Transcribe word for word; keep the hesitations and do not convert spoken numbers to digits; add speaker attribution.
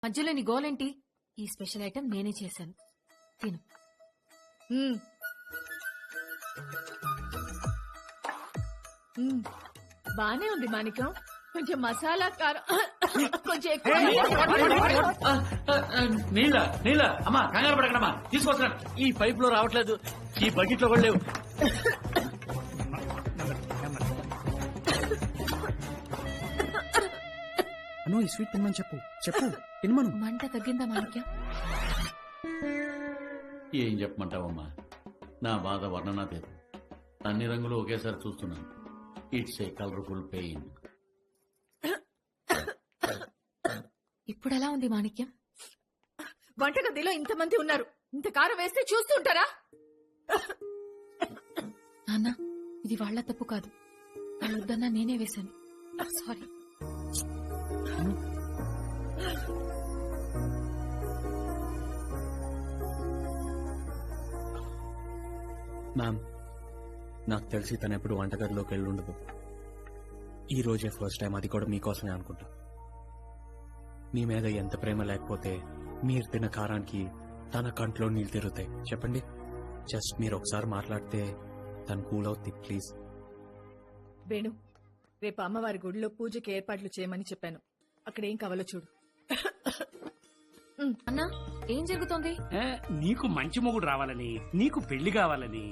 Speaker 1: మధ్యలో నీ గోలేంటి? ఈ స్పెషల్ ఐటెం నేనే చేశాను, తిను.
Speaker 2: మ్మ్. మ్మ్. బానే ఉంది మాణిక్యం, కొంచెం మసాలా కారం కొంచెం ఎక్కువ.
Speaker 3: నీళ్ళ నీళ్ళ అమ్మా కంగారు పడకడమ్మా తీసుకొస్తున్నాను. ఈ పైప్ లో రావట్లేదు, ఈ బకెట్ లో కూడా లేవు.
Speaker 4: అను ఈ స్వీట్ తినమని చెప్పు చెప్పు తినమను.
Speaker 1: మంట తగ్గిందా మాణిక్యం?
Speaker 3: ఏం చెప్పమంటావమ్మా, నా బాధ వర్ణనాతీతం. అన్ని రంగులు ఒకేసారి చూస్తున్నాను. It's a colourful pain.
Speaker 1: ఇప్పుడు ఎలా ఉంది మాణిక్యం?
Speaker 2: వంటగదిలో ఇంతమంది ఉన్నారు, ఇంత కారం వేస్తే చూస్తుంటారా?
Speaker 1: నాన్న, ఇది వాళ్ళ తప్పు కాదు, వాళ్ళ వద్దన్నా నేనే వేశాను. సారీ.
Speaker 4: మ్యామ్, నాకు తెలిసి తను ఎప్పుడు వంటగదిలోకి వెళ్ళి ఉండదు. ఈ రోజే ఫస్ట్ టైం, అది కూడా మీకోసమే అనుకుంటా. మీ మీద ఎంత ప్రేమ లేకపోతే మీరు తిన్న కారానికి తన కంట్లో నీళ్ళు తిరుగుతాయి చెప్పండి. జస్ట్ మీరు ఒకసారి మాట్లాడితే తను కూల్ అవుతుంది ప్లీజ్.
Speaker 2: వేణు, రేపు అమ్మవారి గుడిలో పూజకి ఏర్పాట్లు చేయమని చెప్పాను, అక్కడ ఏం కావాలో చూడు.
Speaker 1: అన్నా, ఏం జరుగుతోంది?
Speaker 5: ఏ, నీకు మంచి మొగుడు రావాలని, నీకు పెళ్లి కావాలని